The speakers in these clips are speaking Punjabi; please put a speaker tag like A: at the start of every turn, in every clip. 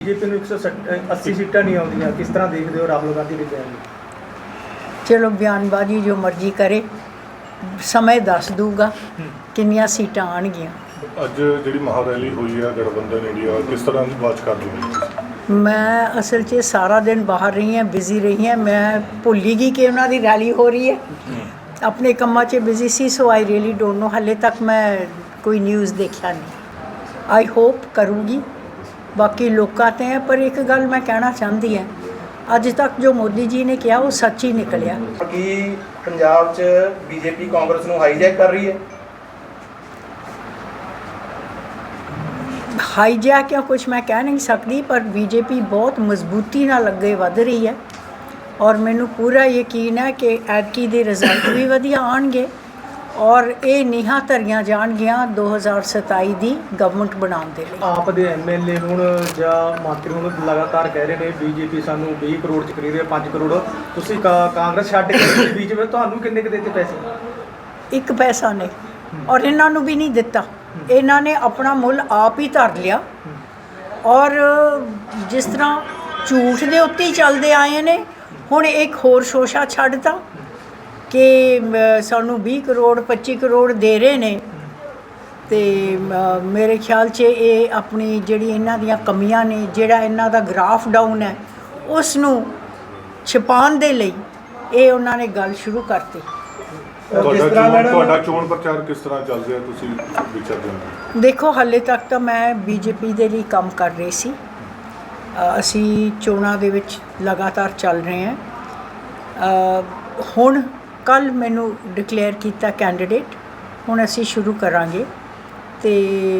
A: बीजेपी ਨੂੰ 180 सीटां नहीं आउंदियां, किस तरह देखते हो राहुल गांधी के बयान?
B: चलो बयानबाजी जो मर्जी करे, समय दस दूगा किन्नियां सीटां आउणगियां।
C: ਅੱਜ ਜਿਹੜੀ ਮਹਾਰੈਲੀ ਹੋਈ ਹੈ ਗਠਬੰਧਨ ਇੰਡੀਆ, ਕਿਸ ਤਰ੍ਹਾਂ ਦੀ ਵਾਚ ਕਰ ਰਹੀ ਹੈ?
B: मैं असल च सारा दिन बाहर रही हैं, बिजी रही हैं, मैं भुल ही गई कि उन्होंने रैली हो रही है। अपने कम्मा च बिजी सी, so I really don't know, हाले तक मैं कोई न्यूज़ देखा नहीं। आई होप करूँगी, बाकी लोग आते हैं। पर एक गल मैं कहना चाहती है, अज तक जो मोदी जी ने किया वो सच ही निकलिया।
A: कि पंजाब च बीजेपी कांग्रेस ਨੂੰ ਹਾਈਜੈਕ कर रही है।
B: हाईजैक या कुछ मैं कह नहीं सकती, पर बीजेपी बहुत मजबूती नाल अगे वध रही है और मैनू पूरा यकीन है कि ऐतकी दे रिजल्ट भी वधिया आउणगे और ये नीहां धरियां जाणगियां 2027 ਦੀ गवर्नमेंट बनाउण दे लई।
A: आप दे MLA ਹੁਣ ਜਾਂ ਮੰਤਰੀ ਹੁਣ ਲਗਾਤਾਰ ਕਹਿ ਰਹੇ ਨੇ बीजेपी ਸਾਨੂੰ 20 ਕਰੋੜ ਚ ਖਰੀਦ ਰਹੀ ਹੈ, 5 ਕਰੋੜ। ਤੁਸੀਂ ਕਾਂਗਰਸ ਛੱਡ ਕੇ बीच ਵਿੱਚ ਤੁਹਾਨੂੰ ਕਿੰਨੇ ਕੁ ਦਿੱਤੇ ਪੈਸੇ?
B: एक पैसा नहीं, और इन्हां नूं भी नहीं दिता। इन्हां ने अपना मुੱਲ आप ही धर लिया और जिस तरह झूठ दे उत्ते ही चलते आए ने, हुण एक होर शोशा छड्डता कि सानू 20 करोड़ 25 करोड़ दे रहे ने। तो मेरे ख्याल से ये अपनी जिहड़ी इन्हां दियां कमियां ने, जिहड़ा इन्हां दा ग्राफ डाउन है, उसनूं छुपाउण दे लई ये उन्हां ने गल शुरू करती।
C: ਤੁਹਾਡਾ ਚੋਣ ਪ੍ਰਚਾਰ ਕਿਸ ਤਰ੍ਹਾਂ ਚੱਲ ਰਿਹਾ, ਤੁਸੀਂ ਵਿਚਰਦੇ ਹੋ?
B: देखो हाले तक तो मैं बीजेपी ਦੇ ਲਈ ਕੰਮ ਕਰ ਰਹੀ ਸੀ। ਅਸੀਂ ਚੋਣਾਂ ਦੇ ਵਿੱਚ ਲਗਾਤਾਰ ਚੱਲ ਰਹੇ ਹਾਂ। ਹੁਣ ਕੱਲ ਮੈਨੂੰ ਡਿਕਲੇਅਰ ਕੀਤਾ ਕੈਂਡੀਡੇਟ, ਹੁਣ ਅਸੀਂ ਸ਼ੁਰੂ ਕਰਾਂਗੇ ਤੇ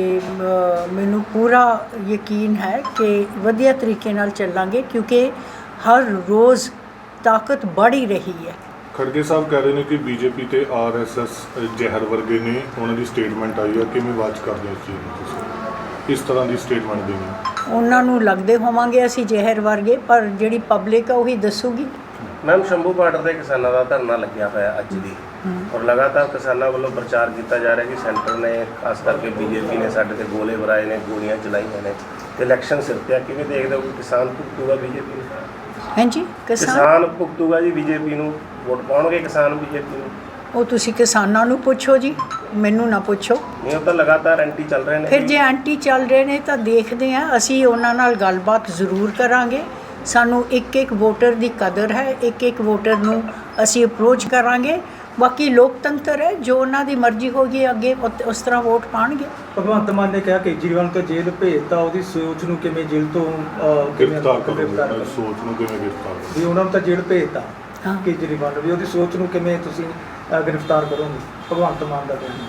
B: ਮੈਨੂੰ ਪੂਰਾ ਯਕੀਨ ਹੈ ਕਿ ਵਧੀਆ ਤਰੀਕੇ ਨਾਲ ਚੱਲਾਂਗੇ, ਕਿਉਂਕਿ ਹਰ ਰੋਜ਼ ਤਾਕਤ बढ़ ही रही है।
C: ਖੜਗੇ ਸਾਹਿਬ ਕਹਿ ਰਹੇ ਨੇ ਕਿ ਬੀਜੇਪੀ ਤੇ RSS ਜ਼ਹਿਰ ਵਰਗੇ ਨੇ, ਉਹਨਾਂ ਦੀ ਸਟੇਟਮੈਂਟ ਆਈ ਹੈ, ਕਿਵੇਂ ਵਾਚ ਕਰਦੇ ਹੋ ਇਸ ਚੀਜ਼ ਨੂੰ ਤੁਸੀਂ? ਇਸ ਤਰ੍ਹਾਂ ਦੀ ਸਟੇਟਮੈਂਟ ਦੇਣੀ
B: ਉਹਨਾਂ ਨੂੰ ਲੱਗਦੇ ਹੋਵਾਂਗੇ ਅਸੀਂ ਜ਼ਹਿਰ ਵਰਗੇ, ਪਰ ਜਿਹੜੀ ਪਬਲਿਕ ਆ ਉਹੀ ਦੱਸੂਗੀ।
D: ਮੈਮ ਸ਼ੰਭੂ ਬਾਰਡਰ ਦੇ ਕਿਸਾਨਾਂ ਦਾ ਧਰਨਾ ਲੱਗਿਆ ਹੋਇਆ ਅੱਜ ਦੀ, ਔਰ ਲਗਾਤਾਰ ਕਿਸਾਨਾਂ ਵੱਲੋਂ ਪ੍ਰਚਾਰ ਕੀਤਾ ਜਾ ਰਿਹਾ ਕਿ ਸੈਂਟਰ ਨੇ, ਖਾਸ ਕਰਕੇ ਬੀਜੇਪੀ ਨੇ ਸਾਡੇ ਤੇ ਗੋਲੇ ਵਰਾਏ ਨੇ, ਗੋਲੀਆਂ ਚਲਾਈਆਂ ਨੇ ਤੇ ਇਲੈਕਸ਼ਨ ਸਿਰ ਤੇ ਆ। ਕਿਵੇਂ ਦੇਖਦੇ ਹੋ ਕਿ ਕਿਸਾਨ ਭੁਗਤੂਗਾ ਬੀਜੇਪੀ ਨੂੰ?
B: ਹਾਂਜੀ,
D: ਕਿਸਾਨ ਭੁਗਤੂਗਾ ਜੀ ਬੀਜੇਪੀ ਨੂੰ, ਵੋਟ ਪਾਉਣਗੇ ਕਿਸਾਨ ਬੀਜੇਪੀ ਨੂੰ?
B: ਉਹ ਤੁਸੀਂ ਕਿਸਾਨਾਂ ਨੂੰ ਪੁੱਛੋ ਜੀ, ਮੈਨੂੰ ਨਾ ਪੁੱਛੋ।
D: ਨਹੀਂ, ਉਹ ਤਾਂ ਲਗਾਤਾਰ ਐਂਟੀ ਚੱਲ ਰਹੇ ਨੇ।
B: ਫਿਰ ਜੇ ਐਂਟੀ ਚੱਲ ਰਹੇ ਨੇ ਤਾਂ ਦੇਖਦੇ ਹਾਂ, ਅਸੀਂ ਉਹਨਾਂ ਨਾਲ ਗੱਲਬਾਤ ਜ਼ਰੂਰ ਕਰਾਂਗੇ। ਸਾਨੂੰ ਇੱਕ ਇੱਕ ਵੋਟਰ ਦੀ ਕਦਰ ਹੈ, ਇੱਕ ਇੱਕ ਵੋਟਰ ਨੂੰ ਅਸੀਂ ਅਪਰੋਚ ਕਰਾਂਗੇ। ਬਾਕੀ ਲੋਕਤੰਤਰ ਹੈ, ਜੋ ਉਹਨਾਂ ਦੀ ਮਰਜ਼ੀ ਹੋਗੀ ਅੱਗੇ ਉਸ ਤਰ੍ਹਾਂ ਵੋਟ ਪਾਣਗੇ।
A: ਭਗਵੰਤ ਮਾਨ ਨੇ ਕਿਹਾ ਕੇਜਰੀਵਾਲ ਤੋਂ ਜੇਲ੍ਹ ਭੇਜਤਾ, ਉਹਦੀ ਸੋਚ ਨੂੰ ਕਿਵੇਂ ਜੇਲ੍ਹ ਤੋਂ
C: ਗ੍ਰਿਫਤਾਰ ਕਰੋ, ਸੋਚ ਨੂੰ ਕਿਵੇਂ ਗ੍ਰਿਫਤਾਰ ਕਰੋ?
A: ਵੀ ਉਹਨਾਂ ਨੂੰ ਤਾਂ ਜੇਲ੍ਹ ਭੇਜਤਾ
B: ਹਾਂ,
A: ਕੇਜਰੀਵਾਲ ਨੂੰ, ਵੀ ਉਹਦੀ ਸੋਚ ਨੂੰ ਕਿਵੇਂ ਤੁਸੀਂ ਗ੍ਰਿਫਤਾਰ ਕਰੋਗੇ? ਭਗਵੰਤ ਮਾਨ ਦਾ ਬਿਆਨ।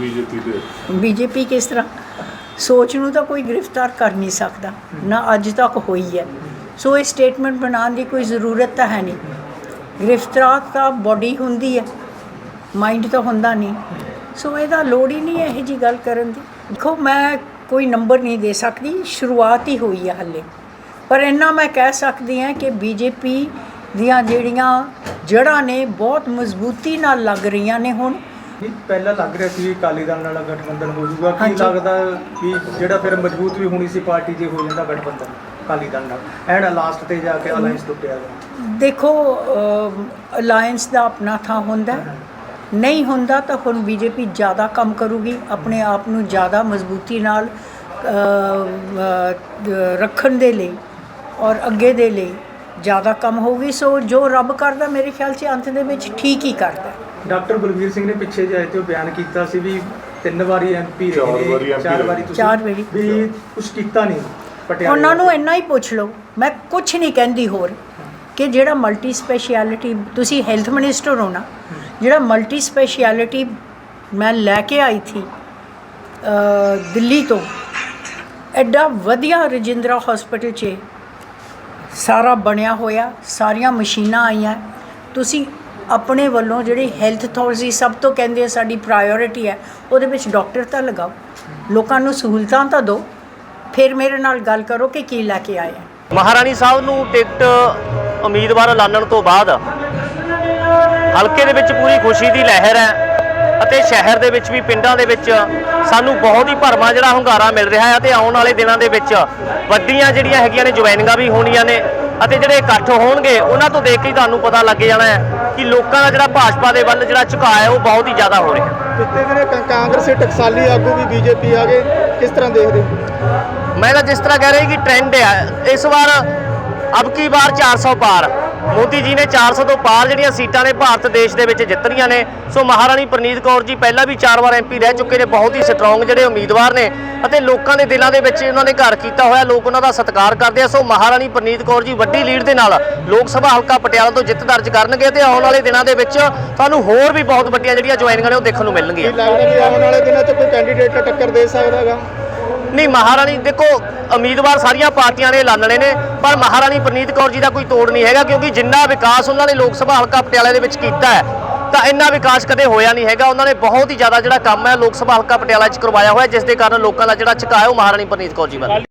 B: ਬੀਜੇਪੀ ਕਿਸ ਤਰ੍ਹਾਂ ਸੋਚ ਨੂੰ ਤਾਂ ਕੋਈ ਗ੍ਰਿਫਤਾਰ ਕਰ ਨਹੀਂ ਸਕਦਾ, ਨਾ ਅੱਜ ਤੱਕ ਹੋਈ ਹੈ। ਸੋ ਇਹ ਸਟੇਟਮੈਂਟ ਬਣਾਉਣ ਦੀ ਕੋਈ ਜ਼ਰੂਰਤ ਤਾਂ ਹੈ ਨਹੀਂ। ਗ੍ਰਿਫਤਾਰ ਤਾਂ ਬੋਡੀ ਹੁੰਦੀ ਹੈ, ਮਾਈਂਡ ਤਾਂ ਹੁੰਦਾ ਨਹੀਂ। ਸੋ ਇਹਦਾ ਲੋੜ ਹੀ ਨਹੀਂ ਹੈ ਇਹੋ ਜਿਹੀ ਗੱਲ ਕਰਨ ਦੀ। ਦੇਖੋ, ਮੈਂ ਕੋਈ ਨੰਬਰ ਨਹੀਂ ਦੇ ਸਕਦੀ, ਸ਼ੁਰੂਆਤ ਹੀ ਹੋਈ ਹੈ ਹਾਲੇ। ਪਰ ਇੰਨਾ ਮੈਂ ਕਹਿ ਸਕਦੀ ਹਾਂ ਕਿ ਬੀਜੇਪੀ ਦੀਆਂ ਜਿਹੜੀਆਂ ਜੜ੍ਹਾਂ ਨੇ ਬਹੁਤ ਮਜ਼ਬੂਤੀ ਨਾਲ ਲੱਗ ਰਹੀਆਂ ਨੇ ਹੁਣ।
A: ਪਹਿਲਾਂ ਲੱਗ ਰਿਹਾ ਸੀ ਅਕਾਲੀ ਦਲ ਨਾਲ ਗਠਬੰਧਨ ਹੋ ਜਾਊਗਾ, ਕੀ
B: ਹਾਂਜੀ।
A: ਲੱਗਦਾ ਕਿ ਜਿਹੜਾ ਫਿਰ ਮਜ਼ਬੂਤ ਵੀ ਹੋਣੀ ਸੀ ਪਾਰਟੀ ਜੇ ਹੋ ਜਾਂਦਾ ਗਠਬੰਧਨ ਅਕਾਲੀ ਦਲ ਨਾਲ, ਐਂਡ ਲਾਸਟ ਤੇ ਜਾ ਕੇ ਅਲਾਈਅੰਸ ਟੁੱਟਿਆ ਗਿਆ?
B: ਦੇਖੋ, ਅਲਾਇੰਸ ਦਾ ਆਪਣਾ ਥਾਂ ਹੁੰਦਾ, ਨਹੀਂ ਹੁੰਦਾ ਤਾਂ ਹੁਣ ਬੀਜੇਪੀ ਜ਼ਿਆਦਾ ਕੰਮ ਕਰੂਗੀ, ਆਪਣੇ ਆਪ ਨੂੰ ਜ਼ਿਆਦਾ ਮਜ਼ਬੂਤੀ ਨਾਲ ਰੱਖਣ ਦੇ ਲਈ ਔਰ ਅੱਗੇ ਦੇ ਲਈ ਜ਼ਿਆਦਾ ਕੰਮ ਹੋਊਗੀ। ਸੋ ਜੋ ਰੱਬ ਕਰਦਾ ਮੇਰੇ ਖਿਆਲ 'ਚ ਅੰਤ ਦੇ ਵਿੱਚ ਠੀਕ ਹੀ ਕਰਦਾ।
A: ਡਾਕਟਰ ਬਲਵੀਰ ਸਿੰਘ ਨੇ ਪਿੱਛੇ ਜਿਹੇ ਤੇ ਉਹ ਬਿਆਨ ਕੀਤਾ ਸੀ ਵੀ 3 ਵਾਰੀ MP ਰਹੇ ਨੇ, 4 ਵਾਰੀ ਤੁਸੀਂ
B: 4 ਵਾਰੀ
A: ਵੀ ਕੁਛ ਕੀਤਾ ਨਹੀਂ ਪਟਿਆਲੇ।
B: ਉਹਨਾਂ ਨੂੰ ਇੰਨਾ ਹੀ ਪੁੱਛ ਲਓ, ਮੈਂ ਕੁਛ ਨਹੀਂ ਕਹਿੰਦੀ ਹੋਰ, ਕਿ ਜਿਹੜਾ ਮਲਟੀ ਸਪੈਸ਼ਲਿਟੀ, ਤੁਸੀਂ ਹੈਲਥ ਮਿਨਿਸਟਰ ਹੋ ਨਾ, ਜਿਹੜਾ ਮਲਟੀ ਸਪੈਸ਼ਲਿਟੀ ਮੈਂ ਲੈ ਕੇ ਆਈ ਥੀ ਦਿੱਲੀ ਤੋਂ, ਐਡਾ ਵਧੀਆ ਰਜਿੰਦਰਾ ਹਸਪੀਟਲ 'ਚ ਸਾਰਾ ਬਣਿਆ ਹੋਇਆ, ਸਾਰੀਆਂ ਮਸ਼ੀਨਾਂ ਆਈਆਂ। ਤੁਸੀਂ ਆਪਣੇ ਵੱਲੋਂ ਜਿਹੜੀ ਹੈਲਥ ਅਥਾਰਟੀ ਸਭ ਤੋਂ ਕਹਿੰਦੇ ਸਾਡੀ ਪ੍ਰਾਇਓਰਿਟੀ ਹੈ, ਉਹਦੇ ਵਿੱਚ ਡਾਕਟਰ ਤਾਂ ਲਗਾਓ, ਲੋਕਾਂ ਨੂੰ ਸਹੂਲਤਾਂ ਤਾਂ ਦਿਓ, ਫਿਰ ਮੇਰੇ ਨਾਲ ਗੱਲ ਕਰੋ ਕਿ ਕੀ ਲੈ ਕੇ ਆਏ ਆ।
E: ਮਹਾਰਾਣੀ ਸਾਹਿਬ ਨੂੰ ਟਿਕਟ ਉਮੀਦਵਾਰ ਐਲਾਨਣ ਤੋਂ ਬਾਅਦ ਹਲਕੇ ਦੇ ਵਿੱਚ ਪੂਰੀ ਖੁਸ਼ੀ ਦੀ ਲਹਿਰ ਹੈ ਅਤੇ ਸ਼ਹਿਰ ਦੇ ਵਿੱਚ ਵੀ ਪਿੰਡਾਂ ਦੇ ਵਿੱਚ ਸਾਨੂੰ ਬਹੁਤ ਹੀ ਭਰਵਾਂ ਜਿਹੜਾ ਹੁੰਗਾਰਾ ਮਿਲ ਰਿਹਾ ਹੈ ਅਤੇ ਆਉਣ ਵਾਲੇ ਦਿਨਾਂ ਦੇ ਵਿੱਚ ਵੱਡੀਆਂ ਜਿਹੜੀਆਂ ਹੈਗੀਆਂ ਨੇ ਜੁਆਇਨਿੰਗਾਂ ਵੀ ਹੋਣੀਆਂ ਨੇ ਅਤੇ ਜਿਹੜੇ ਇਕੱਠ ਹੋਣਗੇ ਉਹਨਾਂ ਤੋਂ ਦੇਖ ਕੇ ਹੀ ਤੁਹਾਨੂੰ ਪਤਾ ਲੱਗ ਜਾਣਾ ਹੈ ਕਿ ਲੋਕਾਂ ਦਾ ਜਿਹੜਾ ਭਾਜਪਾ ਦੇ ਵੱਲ ਜਿਹੜਾ ਝੁਕਾਅ ਹੈ ਉਹ ਬਹੁਤ ਹੀ ਜ਼ਿਆਦਾ ਹੋ ਰਿਹਾ ਹੈ।
A: ਪਿਛਲੇ ਦਿਨ ਕਾਂਗਰਸੀ ਟਕਸਾਲੀ ਆਗੂ ਵੀ ਬੀਜੇਪੀ ਆ ਗਏ, ਕਿਸ ਤਰ੍ਹਾਂ ਦੇਖਦੇ ਹੋ?
E: ਮੈਂ ਤਾਂ ਜਿਸ ਤਰ੍ਹਾਂ ਕਹਿ ਰਿਹਾ ਕਿ ਟ੍ਰੈਂਡ ਹੈ ਇਸ ਵਾਰ ਅਬ ਕੀ ਵਾਰ 400 ਪਾਰ ਮੋਦੀ ਜੀ ਨੇ 400 ਤੋਂ ਪਾਰ ਜਿਹੜੀਆਂ ਸੀਟਾਂ ਨੇ ਭਾਰਤ ਦੇਸ਼ ਦੇ ਵਿੱਚ ਜਿੱਤਣੀਆਂ ਨੇ। ਸੋ ਮਹਾਰਾਣੀ ਪ੍ਰਨੀਤ ਕੌਰ ਜੀ ਪਹਿਲਾਂ ਵੀ 4 ਵਾਰ MP ਰਹਿ ਚੁੱਕੇ ਨੇ, ਬਹੁਤ ਹੀ ਸਟਰੋਂਗ ਜਿਹੜੇ ਉਮੀਦਵਾਰ ਨੇ ਅਤੇ ਲੋਕਾਂ ਦੇ ਦਿਲਾਂ ਦੇ ਵਿੱਚ ਉਹਨਾਂ ਨੇ ਘਰ ਕੀਤਾ ਹੋਇਆ, ਲੋਕ ਉਹਨਾਂ ਦਾ ਸਤਿਕਾਰ ਕਰਦੇ ਆ। ਸੋ ਮਹਾਰਾਣੀ ਪ੍ਰਨੀਤ ਕੌਰ ਜੀ ਵੱਡੀ ਲੀਡ ਦੇ ਨਾਲ ਲੋਕ ਸਭਾ ਹਲਕਾ ਪਟਿਆਲਾ ਤੋਂ ਜਿੱਤ ਦਰਜ ਕਰਨਗੇ ਤੇ ਆਉਣ ਵਾਲੇ ਦਿਨਾਂ ਦੇ ਵਿੱਚ ਤੁਹਾਨੂੰ ਹੋਰ ਵੀ ਬਹੁਤ ਵੱਡੀਆਂ ਜਿਹੜੀਆਂ ਜੁਆਇਨਿੰਗਾਂ ਨੇ ਉਹ ਦੇਖਣ ਨੂੰ ਮਿਲਣਗੀਆਂ।
A: ਕੀ ਲੱਗਦਾ ਵੀ ਆਉਣ ਵਾਲੇ ਦਿਨਾਂ 'ਚ ਕੋਈ ਕੈਂਡੀਡੇਟ ਟੱਕਰ ਦੇ ਸਕਦਾ ਹੈਗਾ?
E: ਨਹੀਂ, ਮਹਾਰਾਣੀ ਦੇਖੋ ਉਮੀਦਵਾਰ ਸਾਰੀਆਂ ਪਾਰਟੀਆਂ ਨੇ ਐਲਾਨਣੇ ਨੇ, ਪਰ ਮਹਾਰਾਣੀ ਪ੍ਰਨੀਤ ਕੌਰ ਜੀ ਦਾ ਕੋਈ ਤੋੜ ਨਹੀਂ ਹੈਗਾ ਕਿਉਂਕਿ ਜਿੰਨਾ ਵਿਕਾਸ ਉਹਨਾਂ ਨੇ ਲੋਕ ਸਭਾ ਹਲਕਾ ਪਟਿਆਲਾ ਦੇ ਵਿੱਚ ਕੀਤਾ ਹੈ ਤਾਂ ਇੰਨਾ ਵਿਕਾਸ ਕਦੇ ਹੋਇਆ ਨਹੀਂ ਹੈਗਾ। ਉਹਨਾਂ ਨੇ ਬਹੁਤ ਹੀ ਜ਼ਿਆਦਾ ਜਿਹੜਾ ਕੰਮ ਹੈ ਲੋਕ ਸਭਾ ਹਲਕਾ ਪਟਿਆਲਾ 'ਚ ਕਰਵਾਇਆ ਹੋਇਆ, ਜਿਸ ਦੇ ਕਾਰਨ ਲੋਕਾਂ ਦਾ ਜਿਹੜਾ ਝੁਕਾਅ ਹੈ ਉਹ ਮਹਾਰਾਣੀ ਪ੍ਰਨੀਤ ਕੌਰ ਜੀ ਵੱਲ